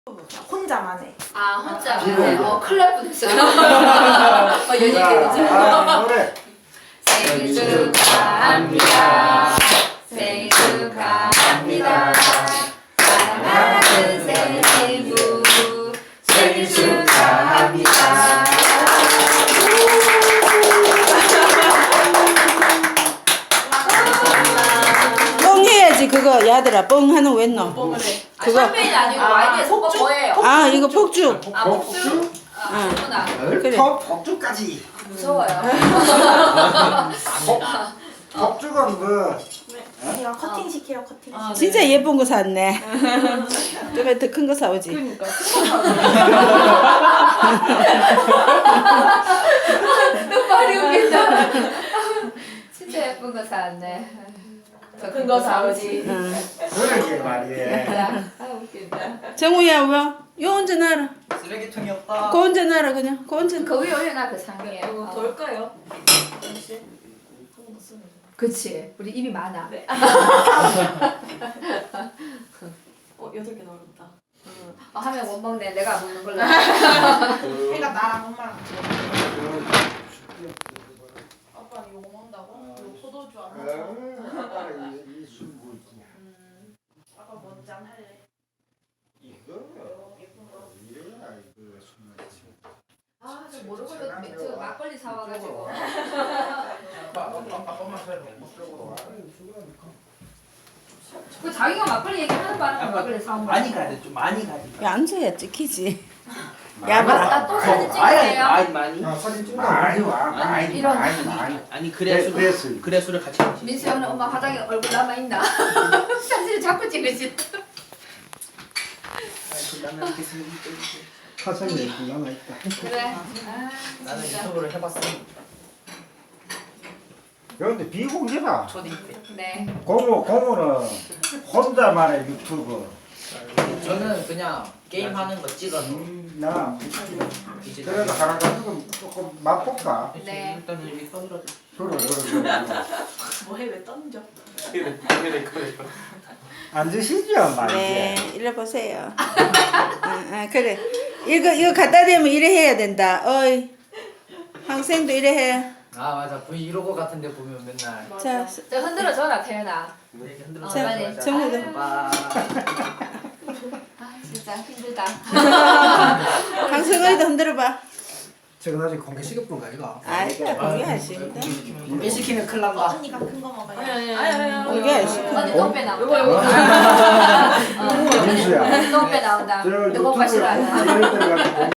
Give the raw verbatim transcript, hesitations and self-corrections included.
혼자만 해. 아 혼자. 비밀. 어 큰일 날 뻔했어요. 어 연예계 되죠. 아, 노래. 생일 축하합니다. 생일 축하합니다. 사랑하는 생일부 생일 축하합니다. 뻥 해야지 그거 야들아 뻥 하는 왜 넣어? 뻥을 해. 아, 그거. 샴페인 아니고 와인에 섞어 뭐예요? 아 이거 폭죽. 아 복수? 아 그렇구나. 그래. 법, 법주까지. 무서워요. 법주는 뭐. 제가 커팅 시켜요, 커팅. 아, 진짜 예쁜 거 샀네. 좀에 더 큰 거 사오지. 그러니까. 말이 웃긴다. 진짜 예쁜 거 사왔네. 더 큰 거 사오지. 응. 그러게 말이야. 아 웃긴다. 정우야 왜? 요 언제 놔라. 쓰레기통이 없다. 그 언제 놔라 그냥. 그 언제. 그 위에 올려놔 그 상에. 이거 어. 더울까요? 그치. 우리 입이 많아. 네. 어, 여덟 개 나오겠다. 어, 하면 못 먹네. 내가 먹는 걸로. 그러니까 나랑 엄마랑 같이 먹자. 아빠는 이거 먹는다고? 이거 포도주 안 먹어. 이술 뭐지? 음, 아빠 먼저 안 할래. 이거 예쁜 거. 이래야 이거 술 마시. 아, 저 모르고 저 막걸리 사와가지고. 그 자기가 막걸리 얘기하는 바람에 막걸리 사온 거야. 많이 가야 돼. 좀 많이 가야 돼. 야 앉아야 찍히지. 아, 야봐. 나또 사진 많이 찍으세요. 많이 많이. 아, 사진 찍어. 많이 와, 많이, 이런- 많이, 많이. 아니 그래야 네, 술 그랬어요. 그래야 술을 같이 마시. 민수 형은 엄마 화장에 얼굴 남아 있나? 사진을 자꾸 찍으시. 나는 이렇게 쓰레기 화성에 이렇게 남아있다. 그래. 아, 나는 진짜. 유튜브를 해봤어. 그런데 비공개다. 초딩 때. 네. 고모, 고모는 혼자만의 유튜브. 저는 그냥 게임 하는 거 찍어서 음, 나 이제 그래도 하나 가지고 조금 맛볼까? 네. 일단은 여기 떠들어줘. 그래, 그래, 그래. 뭐해, 왜 던져? 앉으시죠, 말이지. 네, 일로 보세요. 아, 아, 그래. 이거 이거 갖다 대면 이래 해야 된다. 어이. 학생도 이래 해. 아 맞아 브이로그 같은데 보면 맨날 자, 저 흔들어 줘라 태연아. 이렇게 흔들어. 자, 맞아. 정우도. 봐. 아 진짜 힘들다. 강성아이도 흔들어 봐. 제가 나중에 공개 시급분가 이거. 아이가 공개하십니다. 공개 시키면 큰일 난다. 언니가 큰 거 먹어요. 공개하십니다. 언니 똥배 나온다. 민수야. 똥배 나온다. 저 누구 오빠 유튜브에 싫어하나? 홍보를 해드려가지고